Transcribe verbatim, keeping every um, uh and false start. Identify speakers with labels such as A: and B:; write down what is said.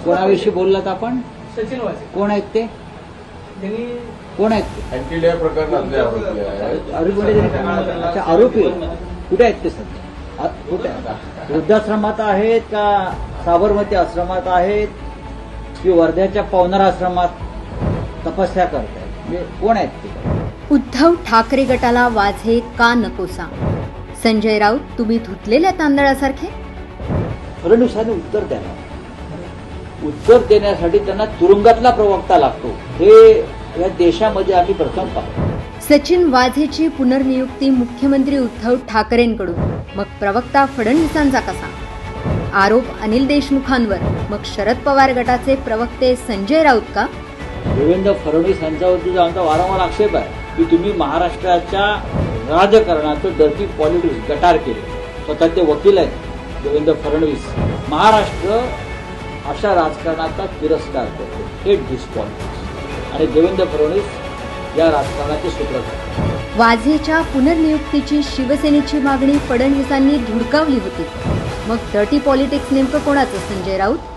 A: कोणाविषयी बोललात आपण?
B: सचिन वाझे.
A: कोण आहेत ते?
B: त्यांनी
A: कोण आहेत ते?
C: एनटीडीआय प्रकरणातले आरोपी आहेत.
A: आरोपी म्हणजे त्यांनी- अच्छा, आरोपी कुठे आहेत ते सध्या? आ- कुठे आहेत? वृद्धाश्रमात आहेत का साबरमती आश्रमात आहेत की वर्ध्याच्या पवनार आश्रमात तपस्या करतायत? म्हणजे कोण आहेत ते?
D: उद्धव ठाकरे गटाला वाझे का नकोसा? संजय राऊत तुम्ही धुतलेल्या तांदळासारखे?
A: फडणवीसांनी उत्तर द्यावं. उत्तर देण्यासाठी त्यांना तुरुंगातला प्रवक्ता लागतो. हे या देशामध्ये आम्ही प्रथम पाहतो.
D: सचिन वाझेची पुनर्नियुक्ती मुख्यमंत्री उद्धव ठाकरेंकडून, मग प्रवक्ता फडणवीसांचा कसा? आरोप अनिल देशमुखांवर, मग शरद पवार गटाचे प्रवक्ते संजय राऊत का?
A: देवेंद्र फडणवीस यांच्यावरती आमचा वारंवार आक्षेप आहे की तुम्ही महाराष्ट्राच्या राजकारणाचं डर्टी पॉलिटिक्स गटार केले. स्वतः ते वकील आहेत देवेंद्र फडणवीस. महाराष्ट्र अशा राजकारणाचा तिरस्कार करतो. हे डिस्पॉलिटिक्स आणि देवेंद्र फडणवीस या राजकारणाचे सूत्रधार.
D: वाझेच्या पुनर्नियुक्तीची शिवसेनेची मागणी फडणवीसांनी धुडकावली होती. मग डर्टी पॉलिटिक्स नेमकं कोणाचं? संजय राऊत